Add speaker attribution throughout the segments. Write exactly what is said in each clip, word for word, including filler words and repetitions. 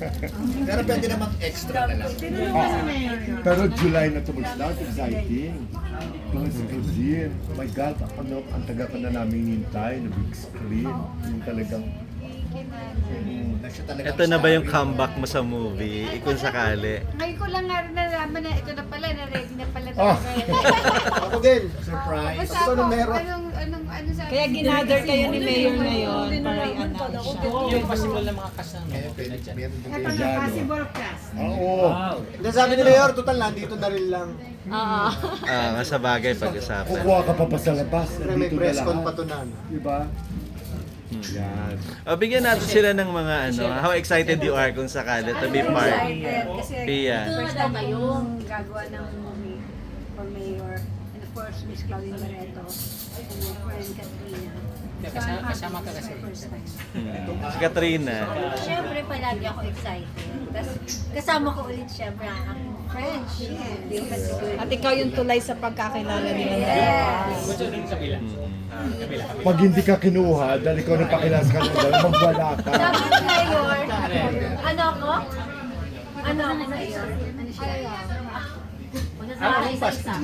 Speaker 1: Pero pwede naman extra na lang.
Speaker 2: Pero July na ito mag-start, exciting. Plus, Cuisine. Oh my God, ano, ang taga ka na namin hintay, na big screen. Yung talagang,
Speaker 1: Na siya talagang
Speaker 3: Ito na ba yung
Speaker 1: star.
Speaker 3: comeback mo sa movie? Eh, kung sakali.
Speaker 4: Ngayon ko lang nga rin nalaman na ito na pala, na-ready na pala
Speaker 2: Oh.
Speaker 4: talaga.
Speaker 1: Ako din, surprise.
Speaker 4: Basta
Speaker 1: Ako
Speaker 4: ako,
Speaker 1: na meron.
Speaker 4: anong, anong, ano sabi?
Speaker 5: Kaya ginather kayo ni Mayor ngayon para i-announce siya.
Speaker 6: Yung possible na mga kasama.
Speaker 1: Kaya pwede, meron din
Speaker 2: Ito
Speaker 1: kayo.
Speaker 2: na, possible cast. Oo.
Speaker 6: Hindi, sabi ni Mayor, total nandito na rin lang.
Speaker 5: Oo.
Speaker 3: Ah, nga sa bagay pag-usapan.
Speaker 2: Kukuha ka pa pa sa labas.
Speaker 6: Siyempre may
Speaker 2: Nandito na
Speaker 6: press con
Speaker 2: lahat.
Speaker 6: pa to na. ano.
Speaker 2: Diba? Yan.
Speaker 3: O, bigyan natin sila ng mga ano, how excited you are kung sakali to be part.
Speaker 4: Excited kasi
Speaker 3: Pia.
Speaker 4: first time kayong gagawa ng movie for Mayor and of course Miss Claudine Barreto and my friend Katrina. So, I'm happy
Speaker 6: Kasama ka
Speaker 4: this is
Speaker 6: kasi.
Speaker 4: the first time.
Speaker 3: Hmm. Si Katrina.
Speaker 7: Siyempre, palagi ako excited. Tapos, kasama ko ulit siyempre ang aking friends. Hindi ko kasi good.
Speaker 5: At ikaw yung tulay sa pagkakilala nila.
Speaker 7: Yes!
Speaker 2: Pag hindi ka kinuha, dahil ikaw nang pakilas ka na dahil magwala ka.
Speaker 7: Sabi ni Mayor, ano ako? Ano ako Mayor? Ano siya? Magsasabi sa isa.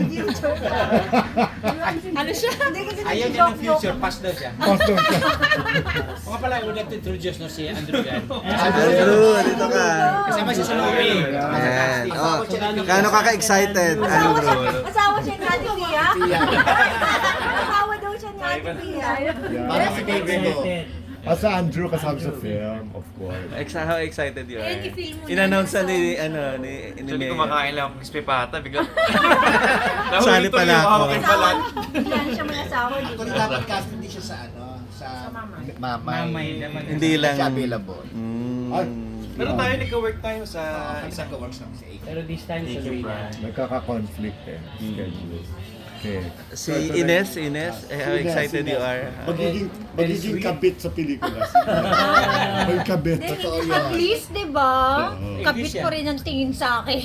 Speaker 5: Ano siya?
Speaker 4: Hindi kasi
Speaker 6: Ayaw niya ng future, past daw siya.
Speaker 2: Pastor ka.
Speaker 6: O nga pala, I would like to introduce no, si Andrew yan.
Speaker 3: Andrew, dito ka.
Speaker 6: Kasama siya sa movie.
Speaker 3: Ayan. Oh, gaano ka ka-excited, Andrew?
Speaker 7: Asawa siya ni Ate Pia? Asawa daw siya ni Ate Pia.
Speaker 1: Para si baby ko.
Speaker 2: Asa Andrew kasama sa film, of course.
Speaker 3: Exa how excited you are?
Speaker 7: Ayun, i-feel mo na
Speaker 3: In-announce
Speaker 7: yun,
Speaker 3: na ni,
Speaker 7: so-
Speaker 3: ano, ni, ni
Speaker 8: Actually,
Speaker 3: Mayor.
Speaker 8: kumakain lang ako ng crispy pata. Bigla.
Speaker 3: Sali pala ako.
Speaker 7: Asawa, hindi lang siya may asawa. di ba?
Speaker 1: Actually, dapat cast hindi siya sa ano, sa mamay.
Speaker 6: Mamay naman.
Speaker 3: Hindi lang.
Speaker 1: Siya available.
Speaker 3: Mm.
Speaker 2: Ay,
Speaker 8: Pero tayo, nagka-work tayo sa
Speaker 1: Kami
Speaker 8: isang
Speaker 1: nagka-works namin sa A K.
Speaker 6: Pero this time sa Luina.
Speaker 2: nagkaka-conflict eh. Schedule. Okay.
Speaker 3: Si Ines, Ines, eh, how excited you are?
Speaker 2: Magiging, magiging kabit sa pelikula. May kabit.
Speaker 1: Totoo
Speaker 7: At
Speaker 1: yun.
Speaker 7: least, di ba? Kapit ko rin ang tingin sa akin.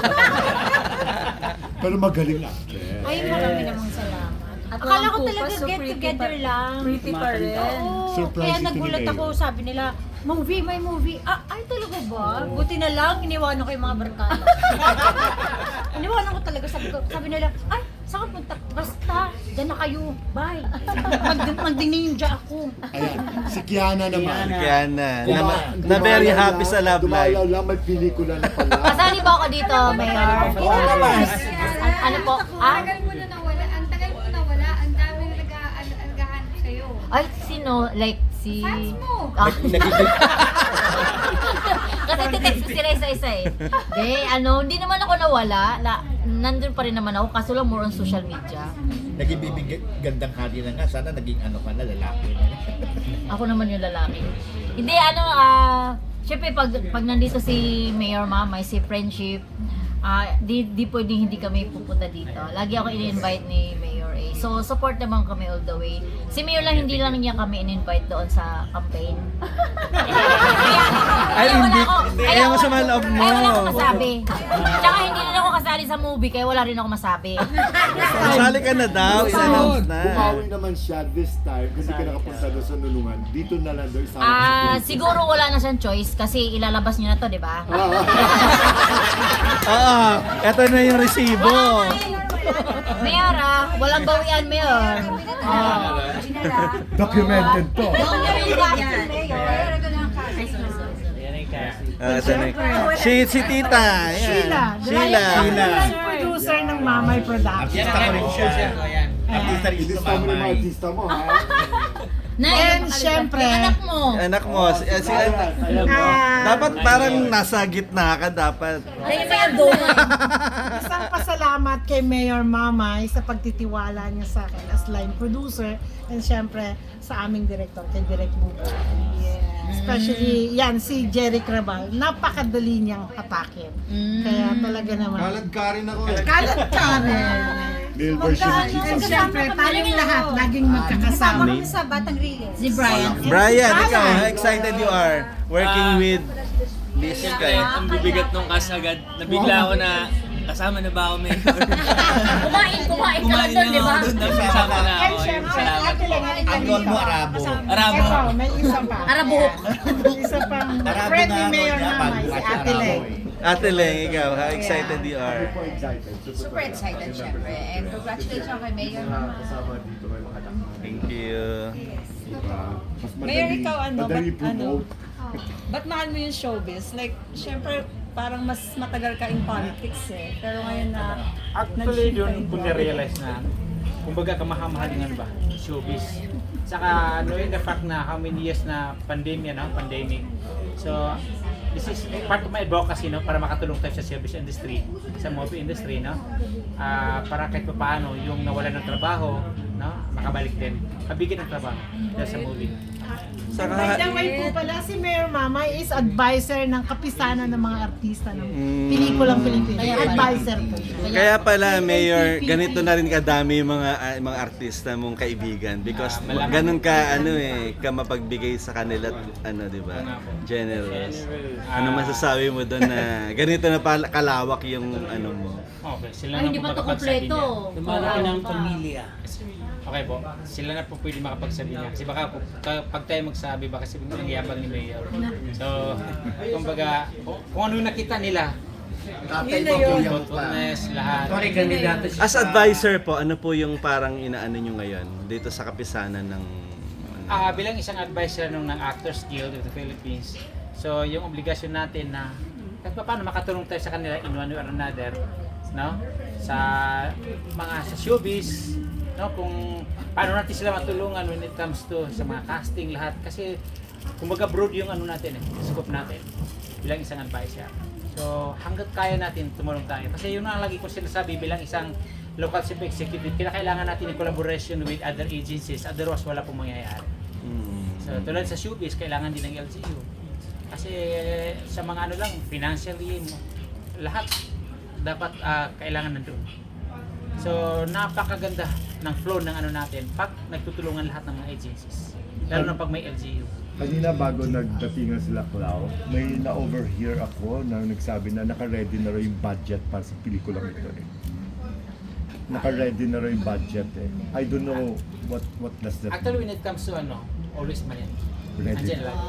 Speaker 2: Pero magaling actress.
Speaker 7: Ay, marami namang salamat.
Speaker 5: At
Speaker 7: Akala ko
Speaker 5: walang
Speaker 7: talaga
Speaker 5: kupas, so
Speaker 7: get
Speaker 5: pretty
Speaker 7: together
Speaker 5: pa-
Speaker 7: lang.
Speaker 5: Pretty pa rin.
Speaker 7: Oo,
Speaker 2: Surprise
Speaker 7: kaya
Speaker 2: ito ni
Speaker 7: nagulat
Speaker 2: Mayor.
Speaker 7: ako, sabi nila, movie, may movie. Ah, ay talaga ba? Buti na lang, iniwanan ko yung mga barkada. iniwanan ko talaga, sabi ko, sabi nila, ay, saan ka punta? Basta, dyan na kayo, bye. Mag magdinindya ako.
Speaker 2: Ayan, si Kiana naman.
Speaker 3: Kaya na, na,
Speaker 2: Duma-
Speaker 3: na very
Speaker 2: dumalaw
Speaker 3: happy
Speaker 2: lang-
Speaker 3: sa love
Speaker 2: dumalaw
Speaker 3: life.
Speaker 2: lang, may pelikula na pala.
Speaker 7: Kasali ba ako dito, Mayor? An- ano po?
Speaker 4: Ang
Speaker 7: Ah?
Speaker 4: tagal mo na nawala, ang tagal mo nawala, ang dami na nag-aalagaan sa'yo.
Speaker 7: Ay, sino? Like, si...
Speaker 4: Fans mo!
Speaker 7: Ah. Kasi titext ko sila isa-isa eh. Di, ano, hindi naman ako nawala. La, nandun pa rin naman ako, kaso lang more on social media.
Speaker 1: Naging bibig gandang hari na nga. Sana naging ano ka na, lalaki na.
Speaker 7: Ako naman yung lalaki. Hindi, ano, ah, syempre pag, pag nandito si Mayor Mamay, si Friendship, ah, di, di pwede hindi kami pupunta dito. Lagi ako in-invite ni Mayor A. So, support naman kami all the way. Si Mayor lang, hindi lang niya kami in-invite doon sa campaign.
Speaker 3: Ay,
Speaker 7: Kaya wala
Speaker 3: hindi.
Speaker 7: ako-
Speaker 3: Hindi,
Speaker 7: kaya
Speaker 3: ayaw mo
Speaker 7: wala-
Speaker 3: sa mga loob mo.
Speaker 7: Kaya wala akong masabi. Tsaka hindi rin ako kasali sa movie, kaya wala rin ako masabi.
Speaker 3: Sali ka na daw, in-announce na.
Speaker 2: Bumawi naman siya this time kasi ka nakapunta doon sa nulungan. Dito na lang doon sa
Speaker 7: Ah, siguro wala na siyang choice kasi ilalabas niyo na to, di ba?
Speaker 3: Oo, eto na yung resibo.
Speaker 7: Mayor ah, walang bawian, Mayor. Oh.
Speaker 2: Documented to.
Speaker 3: Ah, ito na. Si, si Tita. Yan.
Speaker 9: Sheila.
Speaker 3: Sheila.
Speaker 9: Sheila. Producer ng Mamay Production.
Speaker 1: Artista ko rin siya. Artista rin siya
Speaker 2: Ilista
Speaker 1: sa
Speaker 2: mo yung mga
Speaker 1: mamay.
Speaker 2: artista mo, ha?
Speaker 7: Na,
Speaker 9: And syempre,
Speaker 7: yung anak mo.
Speaker 3: Anak mo, si, si,
Speaker 9: ah,
Speaker 3: dapat parang nasa gitna ka dapat.
Speaker 7: Ay, may abdomen.
Speaker 9: isang pasalamat kay Mayor Mamay sa pagtitiwala niya sa akin as line producer and syempre sa aming director, kay Direk Bubo. Especially, yan, si Jerry Crabal, napakadali niyang hatakin. Kaya talaga naman.
Speaker 2: Kalag ka rin ako eh.
Speaker 9: Kalat ka rin.
Speaker 2: Male version ng
Speaker 9: And
Speaker 2: Jesus.
Speaker 9: syempre, tayong lahat, laging magkakasama.
Speaker 7: sa Batang Riles. Si Brian.
Speaker 3: Brian, ikaw, how excited you are working
Speaker 8: Ah.
Speaker 3: with this guy?
Speaker 8: Ang bibigat nung cast agad. Nabigla ako na
Speaker 6: Kasama na ba ako, Mayor?
Speaker 7: Kumain, kumain ka lang doon, di ba?
Speaker 6: Kasama na
Speaker 9: And
Speaker 6: ako.
Speaker 9: syempre,
Speaker 6: Salamat
Speaker 9: ate
Speaker 6: po.
Speaker 9: lang,
Speaker 1: Ang role mo, Arabo.
Speaker 6: Arabo.
Speaker 9: Ito, may isa pa.
Speaker 7: Arabuhok.
Speaker 9: May isa pang
Speaker 1: Arabo
Speaker 9: friend
Speaker 1: na
Speaker 9: ni
Speaker 1: ako
Speaker 9: Mayor
Speaker 1: niya,
Speaker 9: Mamay,
Speaker 1: bago
Speaker 9: si
Speaker 1: kasi
Speaker 9: Ate
Speaker 1: Arabo
Speaker 9: Leng.
Speaker 1: eh.
Speaker 3: Ate Leng, ikaw, how excited you are?
Speaker 2: Super excited.
Speaker 10: Super excited, syempre. And congratulations kay Mayor Mama.
Speaker 2: Kasama dito kay mga anak.
Speaker 3: Thank you.
Speaker 2: Diba? Mas
Speaker 5: Mayor,
Speaker 2: madali-
Speaker 5: ikaw ano,
Speaker 2: madali
Speaker 5: ba't ano?
Speaker 2: promote.
Speaker 5: Ba't mahal mo yung showbiz? Like, syempre, parang mas matagal ka in politics eh. Pero ngayon na
Speaker 6: Actually,
Speaker 5: nag-shift ka
Speaker 6: yun
Speaker 5: into
Speaker 6: kung na-realize na, kumbaga kamahal-mahal din ano ba, showbiz. Saka knowing the fact na how many years na pandemya, no? Pandemic. So, this is part of my advocacy, no? Para makatulong tayo sa service industry, sa movie industry, no? Ah, para kahit pa paano, yung nawala ng trabaho, no? Makabalik din. Kabigyan ng trabaho dahil sa movie.
Speaker 9: By the way po pala, si Mayor Mamay is advisor ng kapisanan ng mga artista ng pelikulang Pilipino. Advisor po siya.
Speaker 3: Kaya pala, Mayor, ganito na rin kadami yung mga ah, mga artista mong kaibigan because
Speaker 6: Ah, malaman.
Speaker 3: ganun ka ano eh, ka mapagbigay sa kanila ano, 'di ba? Generous. Ano masasabi mo doon na ganito na pala kalawak yung ano mo?
Speaker 6: Okay, sila
Speaker 7: Ay,
Speaker 6: na
Speaker 7: hindi
Speaker 6: po
Speaker 7: pa ito
Speaker 6: makapagsabi
Speaker 7: kompleto.
Speaker 6: niya.
Speaker 7: Lumaki ng
Speaker 6: pamilya. Okay po, sila na po pwede makapagsabi niya. Kasi baka po, ka- pag tayo magsabi, baka sabihin mo ang yabang ni Mayor. So, kumbaga, kung, kung ano yung nakita nila,
Speaker 1: Tatay mo, kuya mo pa.
Speaker 6: thoughtfulness, lahat.
Speaker 3: As advisor po, ano po yung parang inaano nyo ngayon dito sa kapisanan ng ano?
Speaker 6: Ah, bilang isang advisor nung ng Actors Guild of the Philippines, so yung obligasyon natin na kahit pa paano makatulong tayo sa kanila in one way or another, no? Sa mga sa showbiz, no? Kung paano natin sila matulungan when it comes to sa mga casting lahat kasi kumbaga broad yung ano natin eh, scope natin bilang isang advisor. So hangga't kaya natin tumulong tayo kasi yun ang lagi ko sinasabi bilang isang local chief executive, kailangan natin yung collaboration with other agencies, otherwise wala pong mangyayari.
Speaker 3: Mm.
Speaker 6: So tulad sa showbiz, kailangan din ng L G U. Kasi sa mga ano lang, financially, lahat dapat ah, kailangan nandun. So napakaganda ng flow ng ano natin pag nagtutulungan lahat ng mga agencies. Lalo na pag may L G U.
Speaker 2: Kanina bago nagdatingan sila Clau, may na-overhear ako na nagsabi na naka-ready na raw yung budget para sa pelikulang ito eh. Naka-ready na raw yung budget eh. I don't know what what does that
Speaker 6: Actually, when it comes to ano, always money.
Speaker 2: Ready.
Speaker 6: Andiyan lang.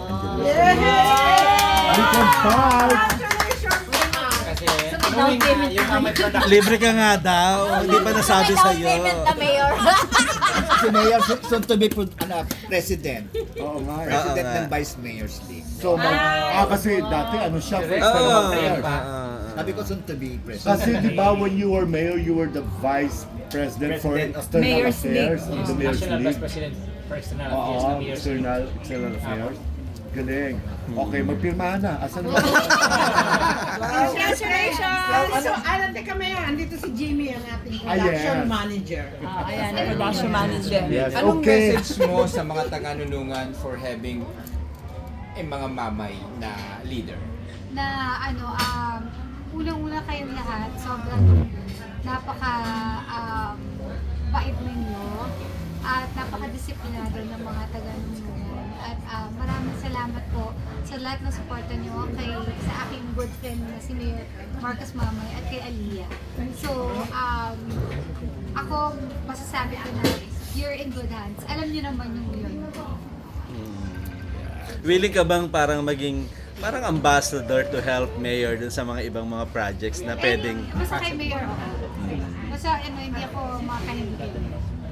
Speaker 2: We can fight!
Speaker 6: Kasi knowing na yung mga may production.
Speaker 3: Libre ka nga daw, hindi pa nasabi
Speaker 7: May
Speaker 3: sa
Speaker 7: down
Speaker 3: iyo.
Speaker 7: payment na, Mayor.
Speaker 1: Si Mayor, soon- soon to be pro- ano, president.
Speaker 2: Oo nga eh.
Speaker 1: President
Speaker 3: Oo nga.
Speaker 1: ng Vice Mayor's League.
Speaker 2: So, mag, ah, kasi dati ano siya,
Speaker 6: Correct.
Speaker 2: external
Speaker 3: Oo.
Speaker 2: affairs.
Speaker 3: Ah, ah,
Speaker 1: Sabi ko soon to be president.
Speaker 2: Kasi di ba when you were mayor, you were the vice president for
Speaker 1: President of
Speaker 2: external
Speaker 5: Mayor's
Speaker 2: affairs of the Mayor's
Speaker 6: National Vice
Speaker 2: League.
Speaker 6: President for External Affairs ng
Speaker 2: Oo,
Speaker 6: Mayor's League.
Speaker 2: external, external affairs. Galing. Okay, magpirmahan na. Asan ba?
Speaker 9: Congratulations! So, ano, teka Mayor, andito si Jimmy, ang ating
Speaker 2: Ah,
Speaker 9: production
Speaker 2: yes.
Speaker 9: manager.
Speaker 5: Ah, ayan, production manager.
Speaker 2: Yes,
Speaker 11: Anong
Speaker 2: okay.
Speaker 11: message mo sa mga taga-nunungan for having eh, mga mamay na leader?
Speaker 4: Na ano, um, unang-una kayong lahat, sobrang napaka um, bait ninyo at napaka-disiplinado ng mga taga-nunungan. At uh, maraming salamat po sa lahat ng suporta nyo kay, sa aking good friend na si Mayor Marcos Mamay at kay Aliyah. So, um, ako masasabi ko na you're in good hands. Alam niyo naman yung yun.
Speaker 3: Willing ka bang parang maging parang ambassador to help Mayor dun sa mga ibang mga projects na pwedeng
Speaker 4: Eh, basta kay Mayor ako. Basta ano, hindi ako makahindig.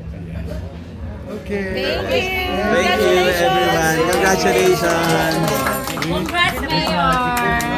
Speaker 2: Okay.
Speaker 3: Thank you everyone. Congratulations.
Speaker 7: Congrats, Mayor.